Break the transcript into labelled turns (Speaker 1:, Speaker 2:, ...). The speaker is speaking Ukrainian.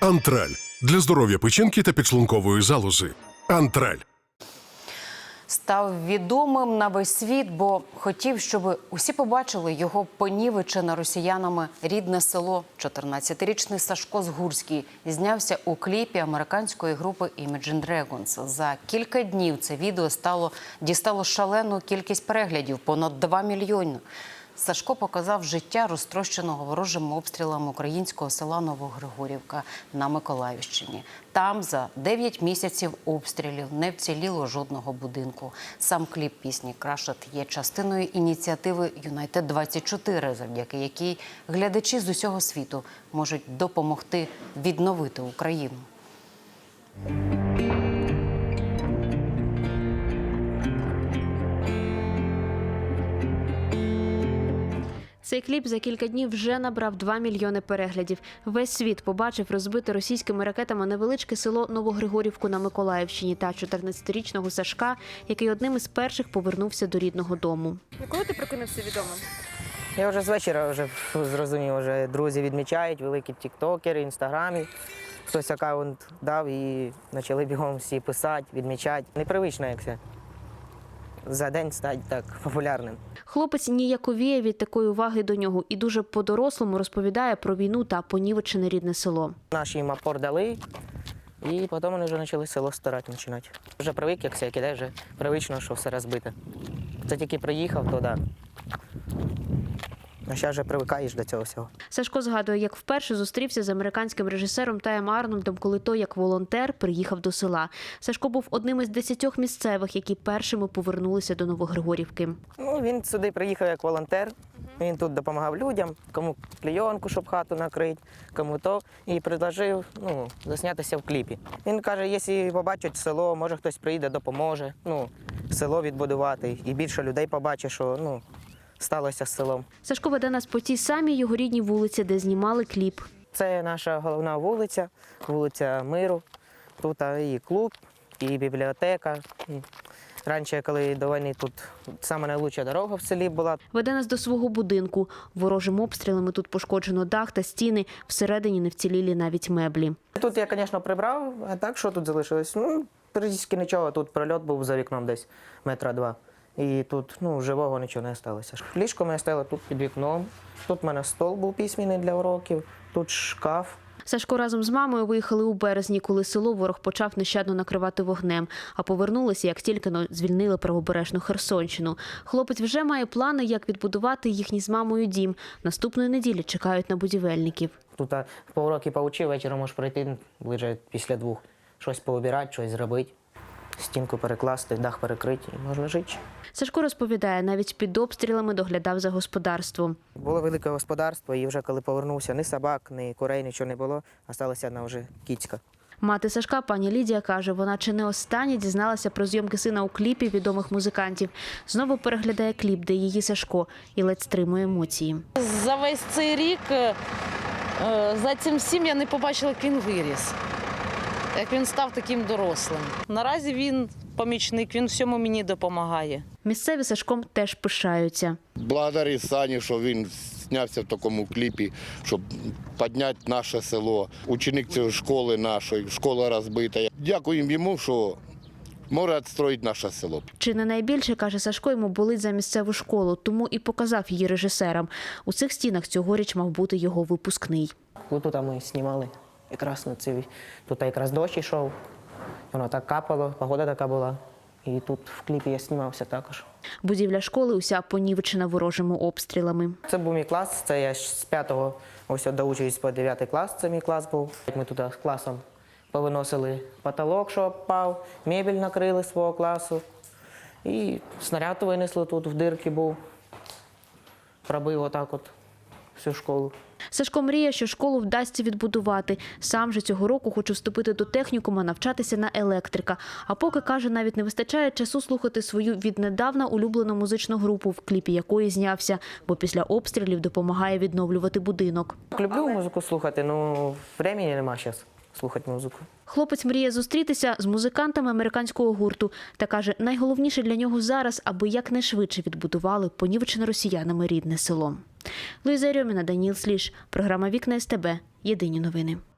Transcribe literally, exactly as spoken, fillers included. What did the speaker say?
Speaker 1: Антраль. Для здоров'я печінки та підшлункової залози. Антраль.
Speaker 2: Став відомим на весь світ, бо хотів, щоб усі побачили його понівечене росіянами рідне село. чотирнадцятирічний Сашко Згурський знявся у кліпі американської групи Imagine Dragons. За кілька днів це відео стало, дістало шалену кількість переглядів – понад два мільйони. Сашко показав життя, розтрощеного ворожими обстрілами українського села Новогригорівка на Миколаївщині. Там за дев'ять місяців обстрілів не вціліло жодного будинку. Сам кліп пісні «Крашет» є частиною ініціативи Юнайтед двадцять чотири, завдяки якій глядачі з усього світу можуть допомогти відновити Україну.
Speaker 3: Цей кліп за кілька днів вже набрав два мільйони переглядів. Весь світ побачив розбите російськими ракетами невеличке село Новогригорівку на Миколаївщині та чотирнадцятирічного Сашка, який одним із перших повернувся до рідного дому.
Speaker 4: Коли ти прокинувся відомим?
Speaker 5: Я вже з вечора вже зрозумів, вже друзі відмічають, великі тіктокери, інстаграмі. Хтось аккаунт дав і почали бігом всі писати, відмічати. Непривично, як це. За день стати так популярним.
Speaker 3: Хлопець ніяковіє від такої уваги до нього і дуже по-дорослому розповідає про війну та понівечене рідне село.
Speaker 5: Наші їм опор дали, і потім вони вже почали село старати починати. Вже привик, як все кидає, вже привично, що все розбите. Це тільки приїхав, то да. А зараз вже привикаєш до цього всього.
Speaker 3: Сашко згадує, як вперше зустрівся з американським режисером Таєм Арнольдом, коли той, як волонтер, приїхав до села. Сашко був одним із десятьох місцевих, які першими повернулися до Новогригорівки.
Speaker 5: Ну, він сюди приїхав як волонтер. Він тут допомагав людям, кому клейонку, щоб хату накрити, кому то. І предложив ну, заснятися в кліпі. Він каже, якщо побачать село, може хтось приїде, допоможе. Ну, село відбудувати. І більше людей побачить, що ну, сталося з селом.
Speaker 3: Сашко веде нас по тій самій його рідній вулиці, де знімали кліп.
Speaker 5: Це наша головна вулиця, вулиця Миру. Тут і клуб, і бібліотека. Раніше, коли до війни, тут саме найкраща дорога в селі була.
Speaker 3: Веде нас до свого будинку. Ворожим обстрілами тут пошкоджено дах та стіни. Всередині не вцілілі навіть меблі.
Speaker 5: Тут я, звісно, прибрав, а так, що тут залишилось? Ну, практично нічого. Тут прильот був за вікном десь метра два. І тут ну, живого нічого не залишилося. Ліжко моє стояло тут під вікном. Тут в мене стол був письменний для уроків, тут шкаф.
Speaker 3: Сашко разом з мамою виїхали у березні, коли село ворог почав нещадно накривати вогнем. А повернулися, як тільки звільнили правобережну Херсонщину. Хлопець вже має плани, як відбудувати їхній з мамою дім. Наступної неділі чекають на будівельників.
Speaker 5: Тут по уроки поучив, вечором можеш прийти, ближе після двох. Щось пообирати, щось зробити. Стінку перекласти, дах перекрити, і можна жити.
Speaker 3: Сашко розповідає, навіть під обстрілами доглядав за господарством.
Speaker 5: Було велике господарство, і вже коли повернувся, ні собак, ні курей, нічого не було. Залишилася одна вже кіцька.
Speaker 3: Мати Сашка, пані Лідія, каже, вона чи не останнє дізналася про зйомки сина у кліпі відомих музикантів. Знову переглядає кліп, де її Сашко, і ледь стримує емоції.
Speaker 4: За весь цей рік, за цим всім я не побачила, як він виріс. Як він став таким дорослим. Наразі він помічник, він всьому мені допомагає.
Speaker 3: Місцеві Сашком теж пишаються.
Speaker 6: Благодарю Сані, що він знявся в такому кліпі, щоб підняти наше село. Ученик цієї школи нашої, школа розбита. Дякуємо йому, що може відстроїти наше село.
Speaker 3: Чи не найбільше, каже Сашко, йому болить за місцеву школу, тому і показав її режисерам. У цих стінах цьогоріч мав бути його випускний.
Speaker 5: Ось тут ми знімали. Якраз на цій, тут якраз дощ йшов, воно так капало, погода така була. І тут в кліпі я знімався також.
Speaker 3: Будівля школи уся понівечена ворожими обстрілами.
Speaker 5: Це був мій клас, це я з п'ятого ось доучуюсь по дев'ятий клас, це мій клас був. Ми тут з класом повиносили потолок, що впав, мебель накрили свого класу. І снаряд винесли тут, в дирки був, пробив отак от всю школу.
Speaker 3: Сашко мріє, що школу вдасться відбудувати. Сам же цього року хоче вступити до технікуму, навчатися на електрика. А поки, каже, навіть не вистачає часу слухати свою віднедавна улюблену музичну групу, в кліпі якої знявся, бо після обстрілів допомагає відновлювати будинок.
Speaker 5: Люблю музику слухати, але времени нема зараз слухати музику.
Speaker 3: Хлопець мріє зустрітися з музикантами американського гурту та каже, найголовніше для нього зараз, аби якнайшвидше відбудували понівечене росіянами рідне село. Луїза Рьоміна, Даніл Сліж. Програма «Вікна ес те бе». Єдині новини.